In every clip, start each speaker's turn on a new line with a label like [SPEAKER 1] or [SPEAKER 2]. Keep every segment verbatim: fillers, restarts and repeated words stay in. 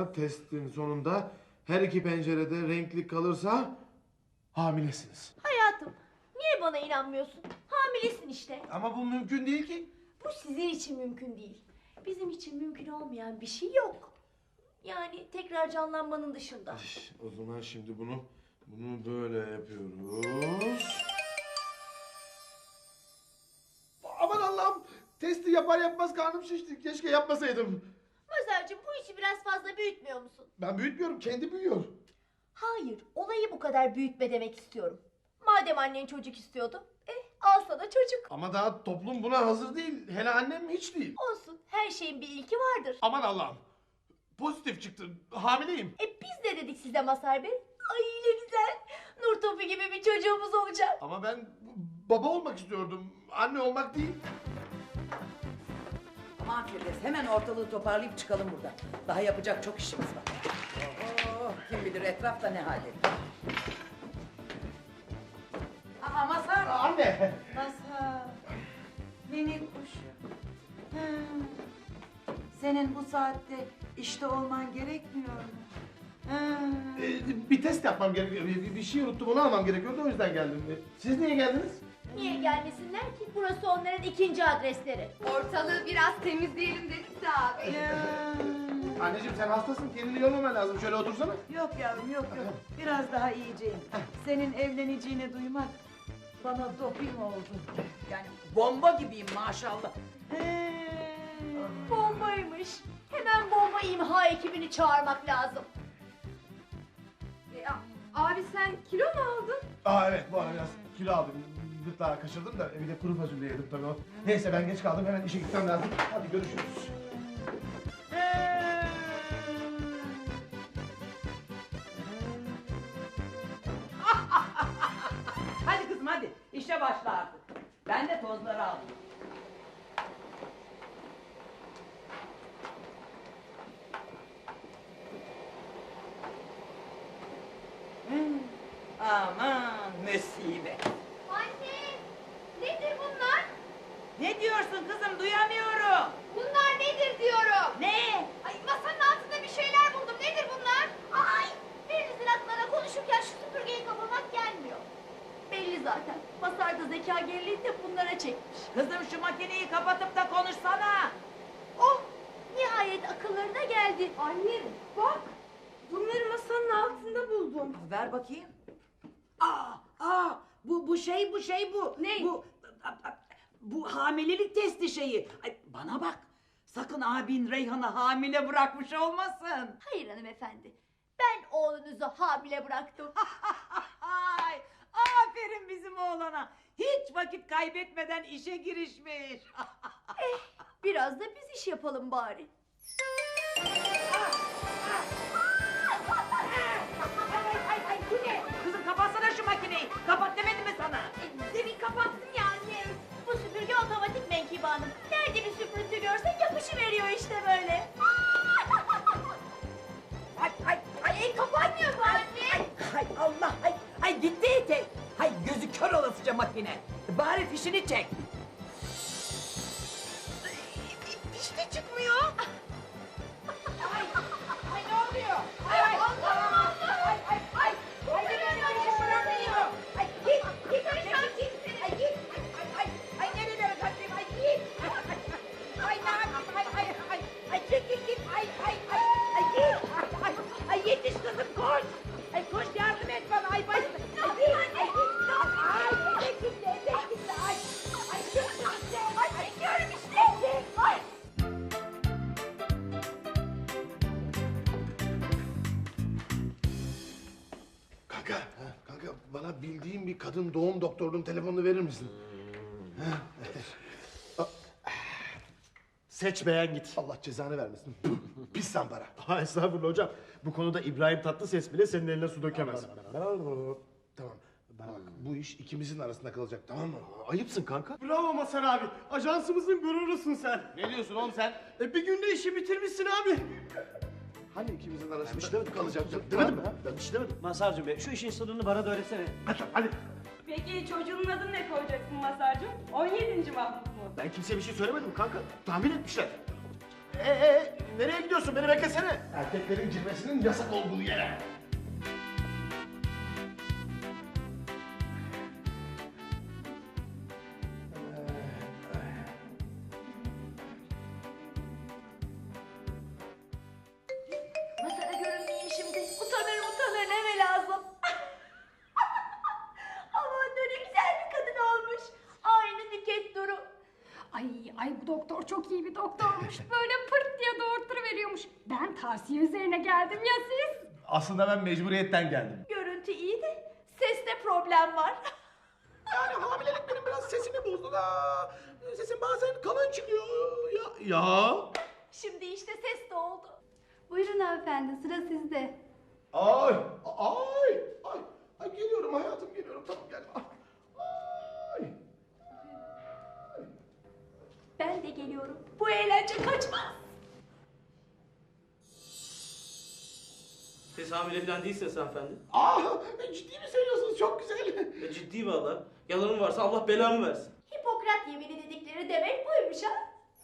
[SPEAKER 1] sonra testin sonunda her iki pencerede renkli kalırsa hamilesiniz.
[SPEAKER 2] Hayatım, niye bana inanmıyorsun? Hamilesin işte.
[SPEAKER 1] Ama bu mümkün değil ki.
[SPEAKER 2] Bu sizin için mümkün değil. Bizim için mümkün olmayan bir şey yok. Yani tekrar canlanmanın dışında.
[SPEAKER 1] O zaman şimdi bunu bunu böyle yapıyoruz. Aman Allah'ım! Testi yapar yapmaz karnım şişti. Keşke yapmasaydım.
[SPEAKER 2] Mazhar'cığım bu işi biraz fazla büyütmüyor musun?
[SPEAKER 1] Ben büyütmüyorum, kendi büyüyor.
[SPEAKER 2] Hayır, olayı bu kadar büyütme demek istiyorum. Madem annen çocuk istiyordu, eh al sana çocuk.
[SPEAKER 1] Ama daha toplum buna hazır değil. Hele annem hiç değil.
[SPEAKER 2] Olsun, her şeyin bir ilki vardır.
[SPEAKER 1] Aman Allah'ım! Pozitif çıktı. Hamileyim.
[SPEAKER 2] E biz de dedik size Mazhar Bey. Ay ne güzel. Nur topu gibi bir çocuğumuz olacak.
[SPEAKER 1] Ama ben baba olmak istiyordum. Anne olmak değil.
[SPEAKER 3] Aman Firdevs, hemen ortalığı toparlayıp çıkalım buradan. Daha yapacak çok işimiz var. Oh, kim bilir etrafta ne halde. Aa Mazhar.
[SPEAKER 1] Anne!
[SPEAKER 3] Mazhar. Minik kuşum. Hmm. Senin bu saatte işte olman gerekmiyor mu? Hmm.
[SPEAKER 1] Ee, bir test yapmam gerekiyor. Bir, bir şey unuttum, onu almam gerekiyordu. O yüzden geldim. Ee, Siz niye geldiniz?
[SPEAKER 2] Niye gelmesinler ki? Burası onların ikinci adresleri.
[SPEAKER 4] Ortalığı biraz temizleyelim dedik de abi.
[SPEAKER 3] Ya.
[SPEAKER 1] Anneciğim sen hastasın. Kendini yormaman lazım. Şöyle otursana.
[SPEAKER 3] Yok yavrum yok yok. Biraz daha iyiceyim. Senin evleneceğini duymak bana doping oldu. Yani bomba gibiyim maşallah. He.
[SPEAKER 2] Bombaymış. Hemen bomba imha ekibini çağırmak lazım.
[SPEAKER 4] E, a- abi sen kilo mu aldın?
[SPEAKER 1] Aa evet, bu ara biraz kilo aldım. Gırtlağı kaçırdım da bir de kuru fasulye yedim tabii o. Neyse ben geç kaldım. Hemen işe gitmem lazım. Hadi görüşürüz.
[SPEAKER 3] Hadi kızım hadi işe başla artık. Ben de tozları aldım. Hmm, aman musibet.
[SPEAKER 2] Anne! Nedir bunlar?
[SPEAKER 3] Ne diyorsun kızım duyamıyorum.
[SPEAKER 2] Bunlar nedir diyorum.
[SPEAKER 3] Ne?
[SPEAKER 2] Ay masanın altında bir şeyler buldum. Nedir bunlar? Ay! Birinizin aklına konuşurken şu süpürgeyi kapamak gelmiyor. Belli zaten. Masarda zeka geriliğini de bunlara çekmiş.
[SPEAKER 3] Kızım şu makineyi kapatıp da konuşsana.
[SPEAKER 2] Oh! Nihayet akıllarına geldi.
[SPEAKER 4] Anne bak. Bunları masanın altında buldum.
[SPEAKER 3] Ver bakayım. Aa, aa, bu bu şey bu şey bu.
[SPEAKER 4] Ne?
[SPEAKER 3] Bu bu hamilelik testi şeyi. Ay, bana bak. Sakın abin Reyhan'ı hamile bırakmış olmasın.
[SPEAKER 2] Hayır hanımefendi. Ben oğlunuzu hamile bıraktım.
[SPEAKER 3] Ay, aferin bizim oğlana. Hiç vakit kaybetmeden işe girişmiş.
[SPEAKER 2] Eh, biraz da biz iş yapalım bari.
[SPEAKER 3] Ay, ay, ay, bu ne? Kızım kapatsana şu makineyi. Kapat demedim mi sana?
[SPEAKER 2] E, demin kapattım ya anne. Bu süpürge otomatik Menkibe Hanım. Nerede bir süpürüntü görse yapışıveriyor işte böyle.
[SPEAKER 3] Ay, ay,
[SPEAKER 2] Ay el kapanmıyor bu anne.
[SPEAKER 3] ay Allah, ay, ay gitti ite. Ay gözü kör olasıca makine. Bari fişini çek.
[SPEAKER 2] İşte çıkmıyor.
[SPEAKER 3] Ay, ay ne oluyor? Ay, ay,
[SPEAKER 2] Allah'ım, Allah'ım.
[SPEAKER 3] ay, ay, ay, ay,
[SPEAKER 2] Ay,
[SPEAKER 3] nereye
[SPEAKER 2] ay,
[SPEAKER 3] kaçıyorsun? Ay, git, git,
[SPEAKER 2] Ay,
[SPEAKER 3] git,
[SPEAKER 2] sen
[SPEAKER 3] git,
[SPEAKER 2] kimsin?
[SPEAKER 3] ay, git, ay, ay, ay, nerelere kaçayım, ay, git. Ay, ne yapayım, ay, ay, ay, ay, git, git, git, ay, ay, ay, ay, git, ay, ay, ay, yetiş kızım, koş. Ay, koş, yardım et bana, ay, başım, ay, git, ay, git, ay, etek gitti, etek gitti, ay, ay, git, işte, ay, çekiyorum işte, ay.
[SPEAKER 1] Kanka, kanka bana bildiğin bir kadın doğum doktorunun telefonunu verir misin?
[SPEAKER 5] Seç beğen git.
[SPEAKER 1] Allah cezanı vermesin. Pis zampara.
[SPEAKER 5] Ha estağfurullah hocam. Bu konuda İbrahim Tatlıses bile senin eline su dökemez.
[SPEAKER 1] Tamam. Bana bak, bu iş ikimizin arasında kalacak, tamam mı?
[SPEAKER 5] Ayıpsın kanka. Bravo Masar abi. Ajansımızın gururusun sen.
[SPEAKER 1] Ne diyorsun oğlum sen?
[SPEAKER 5] E bir günde işi bitirmişsin abi.
[SPEAKER 1] Hani ikimizin arasında
[SPEAKER 5] Bir şey demedim.
[SPEAKER 1] kalacak?
[SPEAKER 5] Demedim mi? Ben bir şey demedim.
[SPEAKER 6] Mazhar'cığım be şu işin sırrını bana da öğretsene.
[SPEAKER 5] Hadi, hadi.
[SPEAKER 4] Peki çocuğunun adını ne koyacaksın Mazhar'cığım? on yedinci Mahmut mu?
[SPEAKER 5] Ben kimseye bir şey söylemedim kanka. Tahmin etmişler. Ee, ee, nereye gidiyorsun? Beni beklesene.
[SPEAKER 1] Erkeklerin girmesinin yasak olduğu yere.
[SPEAKER 2] Masada görünmeyeyim şimdi. Utanır utanır neme lazım. Aman ne güzel bir kadın olmuş. Aynı Nüket Duru.
[SPEAKER 7] Ay ay bu doktor çok iyi bir doktormuş. Böyle pırt diye doğurtturuveriyormuş. Ben tavsiye üzerine geldim ya siz?
[SPEAKER 1] Aslında ben mecburiyetten geldim.
[SPEAKER 2] Görüntü iyi de seste problem var.
[SPEAKER 1] Yani hamilelik benim biraz sesimi bozdu da. Sesim bazen kalın çıkıyor. Ya. Ya.
[SPEAKER 2] Şimdi işte ses de oldu. Buyurun hanımefendi sıra sizde.
[SPEAKER 1] Ay. Ay. Ay. Ay geliyorum hayatım geliyorum. Tamam gel. Ay.
[SPEAKER 2] Ben de geliyorum. Bu eğlence kaçmaz.
[SPEAKER 8] Siz hamile falan değilsiniz hanımefendi.
[SPEAKER 1] Ah, ciddi mi söylüyorsunuz? Çok güzel.
[SPEAKER 8] E, ciddi valla. Yalanım varsa Allah belamı versin.
[SPEAKER 2] Hipokrat yemini dedikleri demek buymuş ha.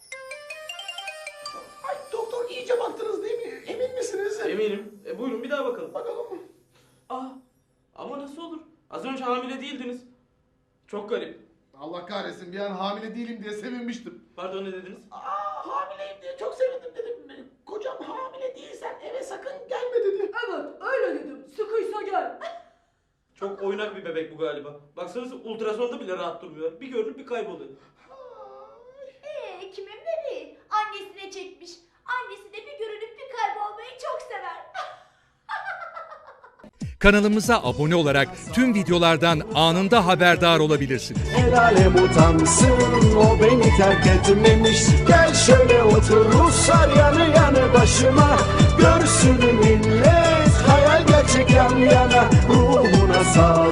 [SPEAKER 1] Ay doktor iyice baktınız değil mi? Emin misiniz?
[SPEAKER 8] Eminim. E, buyurun bir daha bakalım.
[SPEAKER 1] Bakalım.
[SPEAKER 8] Aa, ama nasıl olur? Az önce hamile değildiniz. Çok garip.
[SPEAKER 1] Allah kahretsin bir an hamile değilim diye sevinmiştim.
[SPEAKER 8] Pardon ne dediniz?
[SPEAKER 1] Aa hamileyim diye çok sevindim dedim. Kocam hamile değilsen eve sakın gelme dedi.
[SPEAKER 2] Evet öyle dedim. Sıkıysa gel.
[SPEAKER 8] Çok oynak bir bebek bu galiba. Baksanıza ultrasonda bile rahat durmuyor. Bir görünüp bir kayboluyor.
[SPEAKER 2] Ee, kimin bebeği? Annesine çekmiş. Annesi de bir görünüp bir kaybolmayı çok sever.
[SPEAKER 9] Kanalımıza abone olarak tüm videolardan anında haberdar olabilirsiniz.
[SPEAKER 10] El alem utansın o beni terk etmemiş. Gel şöyle otur Ruslar yanı yanı başıma. Görsün millet hayal gerçek yan yana. Ruhuna sağlık.